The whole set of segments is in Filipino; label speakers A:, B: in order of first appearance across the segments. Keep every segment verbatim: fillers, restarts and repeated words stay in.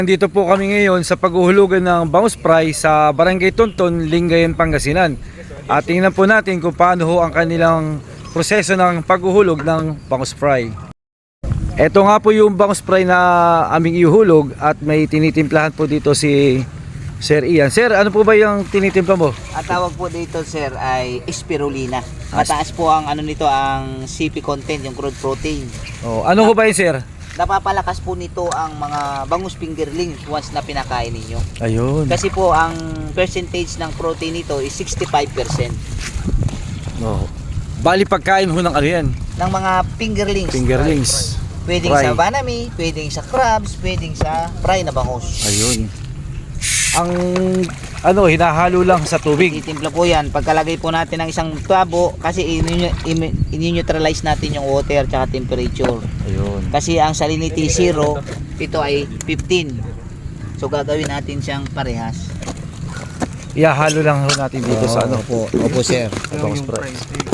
A: Nandito po kami ngayon sa paghuhulugan ng bangus fry sa Barangay Tonton, Lingayen, Pangasinan. At tingnan po natin kung paano ho ang kanilang proseso ng paghuhulog ng bangus fry. Ito nga po yung bangus fry na aming ihuhulog at may tinitimplahan po dito si Sir Ian. Sir, ano po ba yung tinitimpla mo?
B: Ang tawag po dito, sir, ay spirulina. Mataas po ang ano nito, ang C P content, yung crude protein.
A: Oh, ano ho ba yun, sir?
B: Napapalakas po nito ang mga bangus fingerlings once na pinakain ninyo.
A: Ayun.
B: Kasi po ang percentage ng protein nito is sixty-five percent
A: Oh. Bali pagkain ho ng ano yan?
B: ng mga fingerlings.
A: Fingerlings.
B: Pwedeng
A: Fry.
B: sa banami, pwedeng sa crabs, pwedeng sa fry na bangus.
A: Ayun. Ang ano, hinahalo lang sa tubig.
B: Titimpla po yan. Pagkalagay po natin ng isang tubo, kasi in-neutralize natin yung water at temperature.
A: Ayun.
B: Kasi ang salinity zero, ito ay fifteen. So gagawin natin siyang parehas.
A: Ihahalo lang ho natin dito sa ano.
B: Opo, opo sir.
A: Bangus fry.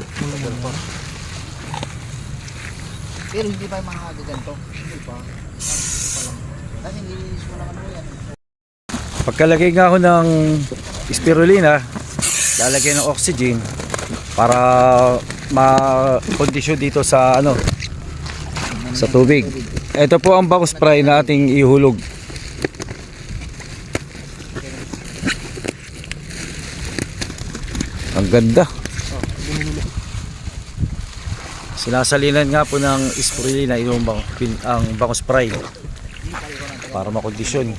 B: Pero hindi pa yung mga ganito. Hindi pa. Kasi nilinis mo naman mo yan.
A: Pagkalagay nga ako ng spirulina, lalagyan ng oxygen para ma-kondisyon dito sa ano, sa tubig. Ito po ang bangus fry na ating ihulog. Ang ganda. Sinasalinan nga po ng spirulina yung bang, ang bangus fry para makondisyon.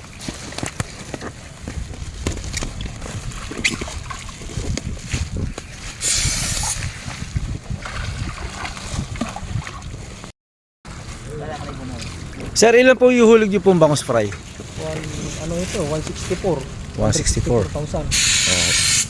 A: Sir, ilan po ihulog niyo pong bangus fry?
C: One, ano ito? one sixty-four.
A: one sixty-four.
C: thousand.
A: Oh.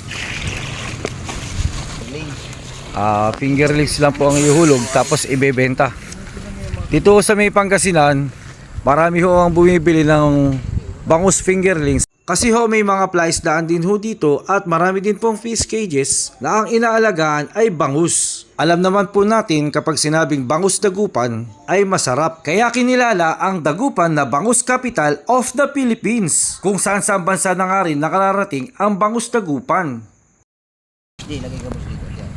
A: Ah, fingerlings lang po ang ihulog tapos ibebenta. Dito sa may Pangasinan, marami ho ang bumibili ng bangus fingerlings. Kasi ho may mga fly isdaan din ho dito at marami din pong fish cages na ang inaalagaan ay bangus. Alam naman po natin kapag sinabing bangus dagupan ay masarap. Kaya kinilala ang dagupan na bangus capital of the Philippines. Kung saan saan bansa na nga rin nakararating ang bangus dagupan.
B: Hindi, lagay ka mo dito. Diyan.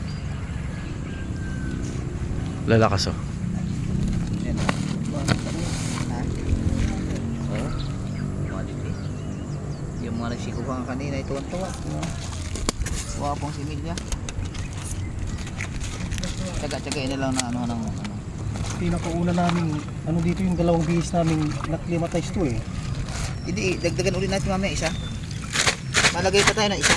A: Lalakas oh.
B: Yan. Ha? Oh. Quality. Yung mga nagsikuha kanina, ito ang tuwa. Kuha pong similya. Tsaga-tsagain na lang na ano ng ano.
C: Pinakauna namin, ano dito yung dalawang bihis namin naklimatize to eh.
B: Hindi, dagdagan ulit natin mamaya isa. Malagay pa tayo ng isa.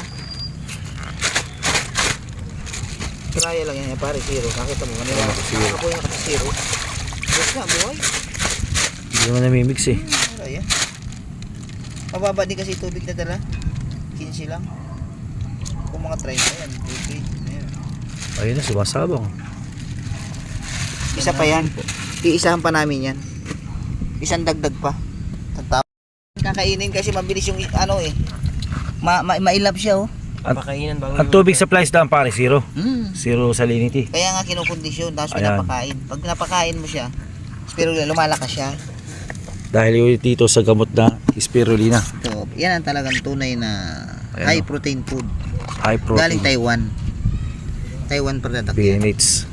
B: Try lang yan, pare, zero. Nakita mo, kanila. Nakapoy na kasi zero. Yes na, buhay.
A: Hindi naman namimix eh.
B: Wala yan. Mababa din kasi tubig na dala. fifteen lang. Kung mga try na yan, tubig. Ayan.
A: Ayun na, sumasabang.
B: Isa pa yan. Iisahan pa namin yan. Isang dagdag pa. Tantap. Kakainin kasi mabilis yung ano eh. Ma ma mailap siya oh.
A: Ang, ang tubig sa fly isdaan pare, zero.
B: Mm.
A: Zero salinity.
B: Kaya nga kinukondisyon, tapos
A: Ayan.
B: pinapakain. Pag pinapakain mo siya, spirulina, lumalakas siya.
A: Dahil yun dito sa gamot na spirulina.
B: So, yan ang talagang tunay na
A: Ayan,
B: high
A: oh.
B: protein food.
A: High protein.
B: Galing Taiwan. Taiwan product
A: P
B: yan.
A: N H.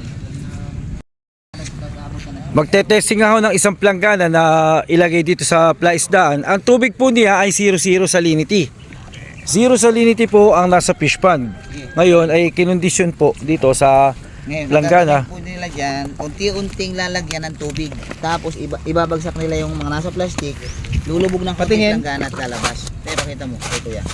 A: Magte-testing ako ng isang planggana na ilagay dito sa fly isdaan. Ang tubig po niya ay zero zero salinity. Zero salinity po ang nasa fish pond. Ngayon ay kinondisyon po dito sa
B: Ngayon,
A: planggana.
B: ang gagawin po nila dyan, unti-unting lalagyan ng tubig. Tapos iba, ibabagsak nila yung mga nasa plastic, lulubog ng kating planggana at lalabas. Kaya pakita mo, ito yan.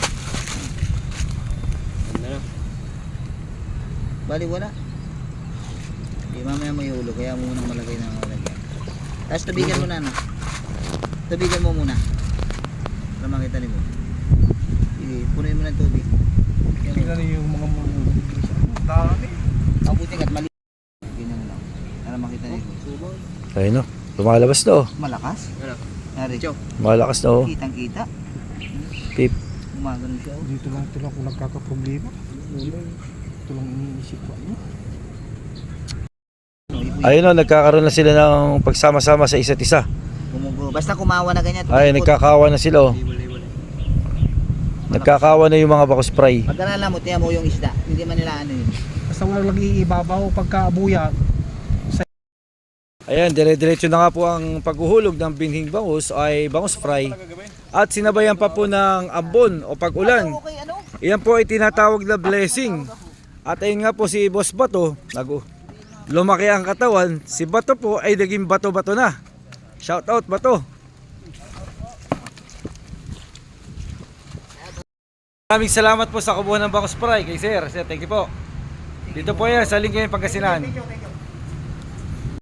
B: Bali wala. Di mamaya may ulo, kaya mo munang malagay na malagyan. Tapos tubigan mo na ano. Tubigan mo muna. Para makita nyo. Sige, punuin mo ng tubig. Yan,
C: Tingnan niyo yung mga mga dami.
B: mabuting at mali. Ganyan lang. Para makita nyo.
A: Ayun no, lumalabas na oh.
B: Malakas? Nari.
A: Malakas na oh.
B: Kitang kita.
A: Pip.
B: Gumagano siya. oh.
C: Dito lang ito lang kung nagkakaproblema. Ito lang iniisip ko. Ano?
A: Ayun o, nagkakaroon na sila ng pagsama-sama sa isa't isa.
B: Gumugo. Basta kumawa na ganyan.
A: Ay,
B: tumikot.
A: nagkakawa na sila oh. Nagkakawa na yung mga bako spray.
B: Pag ganala mo, tiyan mo yung isda. Hindi man nila ano yun.
C: Basta wala lang iibabaw pagka abuya.
A: Ayan, dire-diretso na nga po ang paghuhulog ng binhing bangus ay bangus fry. At sinabayan pa po ng ambon o pag-ulan.
B: Okay, ano?
A: Iyan po ay tinatawag na blessing. At ayun nga po si Boss Bato, nag lumaki ang katawan. Si Bato po ay naging bato-bato na. Shout out Bato. Maraming salamat po sa kubuhan ng bangus fry kay Sir. Sir, thank you po. Dito po yan sa Lingayen, Pangasinan.